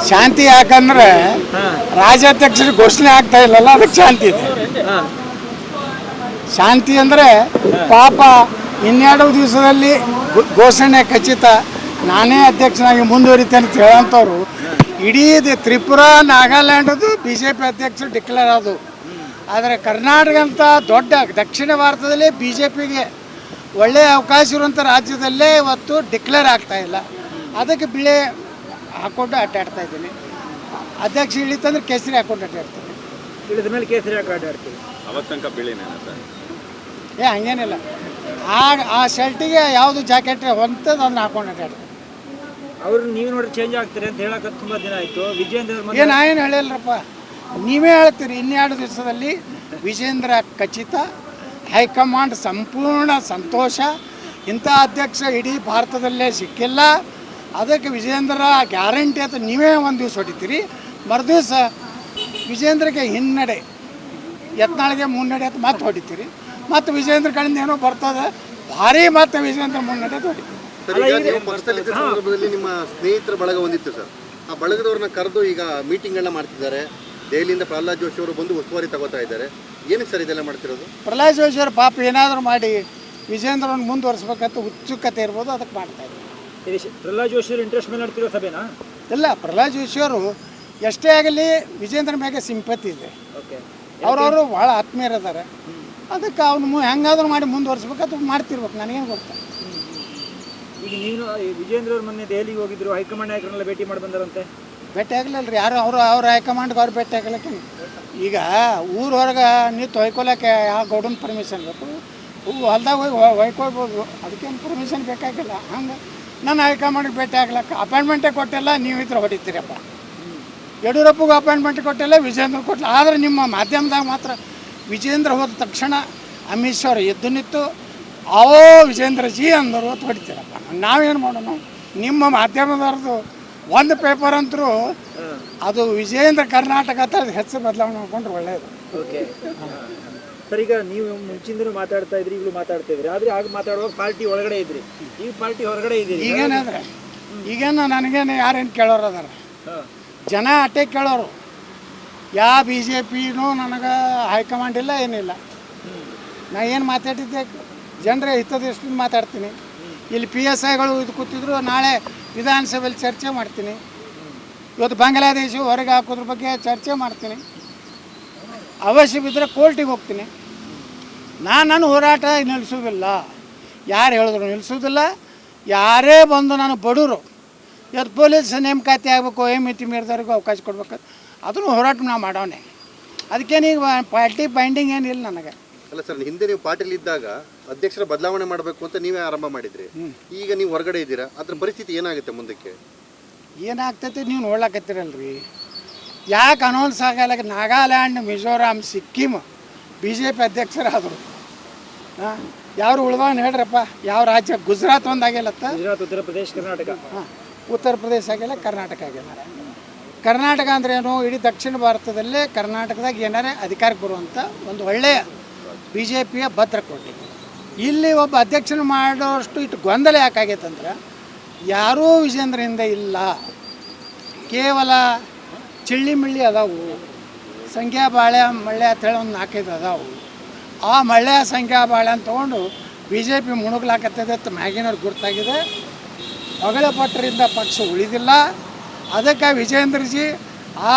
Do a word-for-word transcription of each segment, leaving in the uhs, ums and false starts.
ಶಾಂತಿ ಯಾಕಂದ್ರೆ ರಾಜ್ಯಾಧ್ಯಕ್ಷರು ಘೋಷಣೆ ಆಗ್ತಾ ಇಲ್ಲಲ್ಲ, ಅದಕ್ಕೆ ಶಾಂತಿ ಇದೆ. ಶಾಂತಿ ಅಂದರೆ ಪಾಪ ಇನ್ನೆರಡು ದಿವಸದಲ್ಲಿ ಘೋಷಣೆ ಖಚಿತ, ನಾನೇ ಅಧ್ಯಕ್ಷನಾಗಿ ಮುಂದುವರಿತೇನೆ ಅಂತ ಹೇಳೋಂಥವ್ರು ಇಡೀ ತ್ರಿಪುರಾ ನಾಗಾಲ್ಯಾಂಡದು ಬಿ ಜೆ ಪಿ ಅಧ್ಯಕ್ಷರು ಡಿಕ್ಲೇರ್ ಆದವು. ಆದರೆ ಕರ್ನಾಟಕ ಅಂತ ದೊಡ್ಡ ದಕ್ಷಿಣ ಭಾರತದಲ್ಲೇ ಬಿ ಜೆ ಪಿಗೆ ಒಳ್ಳೆಯ ಅವಕಾಶ ಇರುವಂಥ ರಾಜ್ಯದಲ್ಲೇ ಇವತ್ತು ಡಿಕ್ಲೇರ್ ಆಗ್ತಾ ಇಲ್ಲ. ಅದಕ್ಕೆ ಬಿಳೆ ಹಾಕ್ಕೊಂಡು ಅಡ್ಡಾಡ್ತಾ ಇದ್ದೀನಿ. ಅಧ್ಯಕ್ಷ ಇಳಿತಂದ್ರೆ ಕೇಸರಿ ಹಾಕ್ಕೊಂಡು ಅಡ್ಡಾಡ್ತೀನಿ. ಇಳಿದ ಮೇಲೆ ಕೇಸರಿ ಹಾಕಿ ಅಡ್ಡಾಡ್ತೀವಿ. ಅವತ್ತು ತನಕ ಬಿಳಿನೇ ಸರ್? ಏ ಹಂಗೇನಿಲ್ಲ, ಆ ಆ ಶರ್ಟಿಗೆ ಯಾವುದು ಜಾಕೆಟ್ ಹೊಂತದ್ದು ಅದನ್ನ ಹಾಕೊಂಡು ಅಡ್ಡಾಡ್ತೀನಿ. ಅವ್ರು ನೀವು ನೋಡಿ ಚೇಂಜ್ ಆಗ್ತಾರೆ ಅಂತ ಹೇಳಕ್ಕೆ ತುಂಬ ದಿನ ಆಯಿತು. ವಿಜೇಂದ್ರ ಏನು ಏನು ಹೇಳಿಲ್ಲರಪ್ಪ, ನೀವೇ ಹೇಳ್ತೀರಿ. ಇನ್ನೆರಡು ದಿವಸದಲ್ಲಿ ವಿಜೇಂದ್ರ ಖಚಿತ, ಹೈಕಮಾಂಡ್ ಸಂಪೂರ್ಣ ಸಂತೋಷ. ಇಂಥ ಅಧ್ಯಕ್ಷ ಇಡೀ ಭಾರತದಲ್ಲೇ ಸಿಕ್ಕಿಲ್ಲ. ಅದಕ್ಕೆ ವಿಜೇಂದ್ರ ಗ್ಯಾರಂಟಿ ಅಂತ ನೀವೇ ಒಂದು ದಿವಸ ಹೊಡಿತೀರಿ, ಮರುದಿವಸ ವಿಜೇಂದ್ರಗೆ ಹಿನ್ನಡೆ, ಯತ್ನಾಳಿಗೆ ಮುನ್ನಡೆ ಅಂತ ಮತ್ತೆ ಹೊಡಿತೀರಿ. ಮತ್ತು ವಿಜೇಂದ್ರ ಕಡೆಯಿಂದ ಏನೋ ಬರ್ತದೆ ಭಾರಿ, ಮತ್ತೆ ವಿಜೇಂದ್ರ ಮುನ್ನಡೆ ಹೊಡಿತೀರಿ. ಸಂದರ್ಭದಲ್ಲಿ ನಿಮ್ಮ ಸ್ನೇಹಿತರ ಬಳಗ ಹೊಂದಿತ್ತು ಸರ್, ಆ ಬಳಗದವ್ರನ್ನ ಕರೆದು ಈಗ ಮೀಟಿಂಗ್ಗಳನ್ನ ಮಾಡ್ತಿದ್ದಾರೆ. ದೆಹಲಿಯಿಂದ ಪ್ರಹ್ಲಾದ್ ಜೋಶಿ ಅವರು ಬಂದು ಉಸ್ತುವಾರಿ ತಗೋತಾ ಇದ್ದಾರೆ. ಏನಕ್ಕೆ ಸರ್ ಇದೆಲ್ಲ ಮಾಡ್ತಿರೋದು? ಪ್ರಹ್ಲಾದ್ ಜೋಶಿ ಅವರು ಪಾಪ ಏನಾದರೂ ಮಾಡಿ ವಿಜೇಂದ್ರವನ್ನು ಮುಂದುವರಿಸ್ಬೇಕಂತ ಉತ್ಸುಕತೆ ಇರ್ಬೋದು, ಅದಕ್ಕೆ ಮಾಡ್ತಾ ಇದ್ದಾರೆ. ಪ್ರಹ್ಲಾದ್ ಜೋಶಿ ಅವರು ಇಂಟ್ರೆಸ್ಟ್ ಮೇಲೆ ನಡೆತಿರೋ ಸಭೆನಾ? ಇಲ್ಲ, ಪ್ರಹ್ಲಾದ್ ಜೋಶಿ ಅವರು ಎಷ್ಟೇ ಆಗಲಿ ವಿಜೇಂದ್ರ ಮ್ಯಾಗೆ ಸಿಂಪತಿ ಇದೆ. ಅವ್ರವರು ಭಾಳ ಆತ್ಮೀಯರಿದ್ದಾರೆ. ಅದಕ್ಕೆ ಅವನು ಹೆಂಗಾದ್ರೂ ಮಾಡಿ ಮುಂದುವರಿಸ್ಬೇಕಂತ ಮಾಡ್ತಿರ್ಬೇಕು. ನನಗೇನು ಗೊತ್ತಾ. ಈಗ ನೀನು ವಿಜೇಂದ್ರ ಅವ್ರ ಮೊನ್ನೆ ದೆಹಲಿಗೆ ಹೋಗಿದ್ರು, ಹೈಕಮಾಂಡ್ ನಾಯಕರನ್ನೆಲ್ಲ ಭೇಟಿ ಮಾಡಿ ಬಂದರಂತೆ. ಭೇಟಿ ಆಗಲಿಲ್ಲ ರೀ ಯಾರು. ಅವರು ಅವ್ರ ಹೈಕಮಾಂಡ್ಗೆ ಅವ್ರು ಭೇಟಿ ಆಗಲಿಕ್ಕೆ. ಈಗ ಊರ ಹೊರಗೆ ನಿಂತು ಹೊಯ್ಕೊಳಕ್ಕೆ ಯಾವ ಗೌಡನ ಪರ್ಮಿಷನ್ ಬೇಕು? ಹೊಲ್ದಾಗ ಹೋಗಿ ಹೊಯ್ಕೊಳ್ಬೋದು, ಅದಕ್ಕೇನು ಪರ್ಮಿಷನ್ ಬೇಕಾಗಿಲ್ಲ. ಹಂಗೆ ನನ್ನ ಹೈಕಮಾಂಡ್ಗೆ ಭೇಟಿ ಆಗ್ಲಕ್ಕ ಅಪಾಯಿಂಟ್ಮೆಂಟೇ ಕೊಟ್ಟಿಲ್ಲ, ನೀವು ಇದ್ರೆ ಹೊಡಿತೀರಪ್ಪ. ಯಡಿಯೂರಪ್ಪಗೂ ಅಪಾಯಿಂಟ್ಮೆಂಟ್ ಕೊಟ್ಟಿಲ್ಲ, ವಿಜೇಂದ್ರ ಕೊಟ್ಟಿಲ್ಲ. ಆದರೆ ನಿಮ್ಮ ಮಾಧ್ಯಮದಾಗ ಮಾತ್ರ ವಿಜೇಂದ್ರ ಹೋದ ತಕ್ಷಣ ಅಮಿತ್ ಶಾ ಅವರು ಎದ್ದು ನಿಂತು ಅವೋ ವಿಜೇಂದ್ರ ಜಿ ಅಂದರು ಅಂತ ಹೊಡಿತೀರಪ್ಪ. ನಾವೇನು ಮಾಡೋಣ? ನಿಮ್ಮ ಮಾಧ್ಯಮದವ್ರದ್ದು ಒಂದು ಪೇಪರ್ ಅಂತರೂ ಅದು ವಿಜೇಂದ್ರ ಕರ್ನಾಟಕ ಅಂತ ಹೆಸರು ಬದಲಾವಣೆ ಮಾಡ್ಕೊಂಡ್ರೆ ಒಳ್ಳೆಯದು. ಓಕೆ ಸರ್, ಈಗ ನೀವು ಮುಂಚಿಂದನೂ ಮಾತಾಡ್ತಾ ಇದ್ರಿ, ಈಗಲೂ ಮಾತಾಡ್ತಾ ಇದ್ರಿ. ಆದರೆ ಆಗ ಮಾತಾಡುವಾಗ ಪಾರ್ಟಿ ಒಳಗಡೆ ಇದ್ರಿ, ಈಗ ಪಾರ್ಟಿ ಹೊರಗಡೆ ಇದ್ದೀರಿ. ಈಗೇನಾದ್ರೆ ಈಗೇನು ನನಗೇನು ಯಾರೇನು ಕೇಳೋರು ಅದಾರ? ಜನ ಅಟ್ಟೆ ಕೇಳೋರು. ಯಾವ ಬಿ ಜೆ ಪಿನೂ ನನಗೆ ಹೈಕಮಾಂಡ್ ಇಲ್ಲ, ಏನಿಲ್ಲ. ನಾ ಏನು ಮಾತಾಡಿದ್ದೆ ಜನರೇ ಹಿತದೃಷ್ಟಿಯಿಂದ ಮಾತಾಡ್ತೀನಿ. ಇಲ್ಲಿ ಪಿ ಎಸ್ ಐಗಳು ಇದು ಕೂತಿದ್ರು, ನಾಳೆ ವಿಧಾನಸಭೆಯಲ್ಲಿ ಚರ್ಚೆ ಮಾಡ್ತೀನಿ. ಇವತ್ತು ಬಾಂಗ್ಲಾದೇಶ ಹೊರಗೆ ಹಾಕೋದ್ರ ಬಗ್ಗೆ ಚರ್ಚೆ ಮಾಡ್ತೀನಿ. ಅವಶ್ಯ ಬಿದ್ದರೆ ಕೋರ್ಟಿಗೆ ಹೋಗ್ತೀನಿ. ನಾನು ನನ್ನ ಹೋರಾಟ ನಿಲ್ಲಿಸೋದಿಲ್ಲ. ಯಾರು ಹೇಳಿದ್ರು ನಿಲ್ಲಿಸೋದಿಲ್ಲ. ಯಾರೇ ಬಂದು ನಾನು ಬಡವರು ಇವತ್ತು ಪೊಲೀಸ್ ನೇಮಕಾತಿ ಆಗಬೇಕು, ಏ ಮಿತಿ ಮೀರಿದವ್ರಿಗೂ ಅವಕಾಶ ಕೊಡ್ಬೇಕು, ಅದನ್ನು ಹೋರಾಟ ನಾವು ಮಾಡೋಣ. ಅದಕ್ಕೇನೀಗ ಪಾರ್ಟಿ ಬೈಂಡಿಂಗ್ ಏನಿಲ್ಲ ನನಗೆ. ಅಲ್ಲ ಸರ್, ಹಿಂದೆ ನೀವು ಪಾರ್ಟಿಲಿ ಇದ್ದಾಗ ಅಧ್ಯಕ್ಷರ ಬದಲಾವಣೆ ಮಾಡಬೇಕು ಅಂತ ನೀವೇ ಆರಂಭ ಮಾಡಿದ್ರಿ. ಈಗ ನೀವು ಹೊರಗಡೆ ಇದ್ದೀರಾ, ಅದ್ರ ಪರಿಸ್ಥಿತಿ ಏನಾಗುತ್ತೆ ಮುಂದಕ್ಕೆ? ಏನಾಗ್ತೈತಿ ನೀವು ನೋಡ್ಲಕತ್ತೀರಲ್ರಿ. ಯಾಕೆ ಅನೌನ್ಸ್ ಆಗಲ್ಲ? Nagaland, Mizoram, Sikkim B J P ಅಧ್ಯಕ್ಷರಾದರು. ಹಾಂ, ಯಾರು ಉಳ್ದವನ್ ಹೇಳ್ರಪ್ಪ? ಯಾವ ರಾಜ್ಯ? ಗುಜರಾತ್ ಒಂದು ಆಗಿಲ್ಲತ್ತ, ಗುಜರಾತ್, ಉತ್ತರ ಪ್ರದೇಶ, ಕರ್ನಾಟಕ. ಹಾಂ, ಉತ್ತರ ಪ್ರದೇಶ ಆಗಿಲ್ಲ, ಕರ್ನಾಟಕ ಆಗಿಲ್ಲ. ಕರ್ನಾಟಕ ಅಂದ್ರೆ ಏನು? ಇಡೀ ದಕ್ಷಿಣ ಭಾರತದಲ್ಲೇ ಕರ್ನಾಟಕದಾಗ ಏನಾರೇ ಅಧಿಕಾರಕ್ಕೆ ಬರುವಂಥ ಒಂದು ಒಳ್ಳೆಯ ಬಿ ಜೆ ಪಿಯ ಭದ್ರಕೋಟೆ. ಇಲ್ಲಿ ಒಬ್ಬ ಅಧ್ಯಕ್ಷನ ಮಾಡೋಷ್ಟು ಇಟ್ಟು ಗೊಂದಲ ಯಾಕಾಗೈತಂದ್ರೆ ಯಾರೂ ವಿಜೇಂದ್ರ ಹಿಂದೆ ಇಲ್ಲ. ಕೇವಲ ಚಿಳ್ಳಿ ಮಿಳ್ಳಿ ಅದಾವು, ಸಂಖ್ಯಾ ಬಾಳೆ ಮಳ್ಳೆ ಅಂತೇಳಿ ಒಂದು ನಾಲ್ಕೈದು ಅದಾವು. ಆ ಮಳ್ಳೆ ಸಂಖ್ಯಾ ಬಾಳೆ ಅಂತ ತೊಗೊಂಡು ಬಿ ಜೆ ಪಿ ಮುಣುಗ್ಲಾಕತ್ತದೆ ಅಂತ ಮ್ಯಾಗಿನವ್ರಿಗೆ ಗುರ್ತಾಗಿದೆ. ಹೊಗಳ ಪಟ್ಟರಿಂದ ಪಕ್ಷ ಉಳಿದಿಲ್ಲ. ಅದಕ್ಕೆ ವಿಜೇಂದ್ರಜಿ ಆ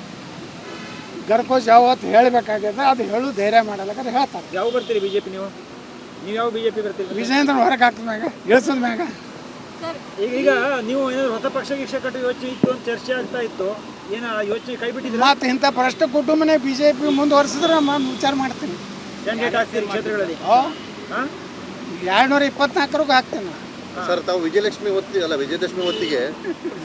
ಗರ್ಕೋ ಜಾವತ್ತು ಹೇಳಬೇಕಾಗಿದೆ. ಅದು ಹೇಳು ಧೈರ್ಯ ಮಾಡಲ್ಲಕ್ಕೆ ಹೇಳ್ತಾರೆ. ಯಾವ ಬರ್ತೀರಿ ಬಿ ಜೆ ಪಿ? ನೀವು ನೀವು ಯಾವ ಬಿ ಜೆ ಪಿ ಬರ್ತೀರಿ? ವಿಜೇಂದ್ರ ಹೊರಗೆ ಹಾಕಿದ ಮ್ಯಾಗ, ಇಳಿಸಿದ ಮ್ಯಾಗ. ಈಗ ಈಗ ನೀವು ಏನಾದ್ರು ಹೊಸ ಪಕ್ಷ ಗಿಕ್ಷ ಕಟ್ಟೋ ಯೋಚನೆ ಇತ್ತು ಅಂತ ಚರ್ಚೆ ಆಗ್ತಾ ಇತ್ತು, ಏನ ಯೋಚನೆ ಕೈ ಬಿಟ್ಟಿದ್ರೆ? ಮತ್ತು ಇಂಥ ಭ್ರಷ್ಟ ಕುಟುಂಬನೇ ಬಿ ಜೆ ಪಿ ಮುಂದುವರಿಸಿದ್ರೆ ನಾನು ವಿಚಾರ ಮಾಡ್ತೀನಿ. ಕ್ಯಾಂಡಿಡೇಟ್ ಆಗ್ತೀರಿ ಕ್ಷೇತ್ರಗಳಲ್ಲಿ? ಹಾಂ, ಎರಡುನೂರ ಇಪ್ಪತ್ನಾಲ್ಕರಿಗೂ ಹಾಕ್ತೇನೆ. ಸರ್, ತಾವು ವಿಜಯಲಕ್ಷ್ಮಿ ಹೊತ್ತಿ ಅಲ್ಲ ವಿಜಯದಶಮಿ ಹೊತ್ತಿಗೆ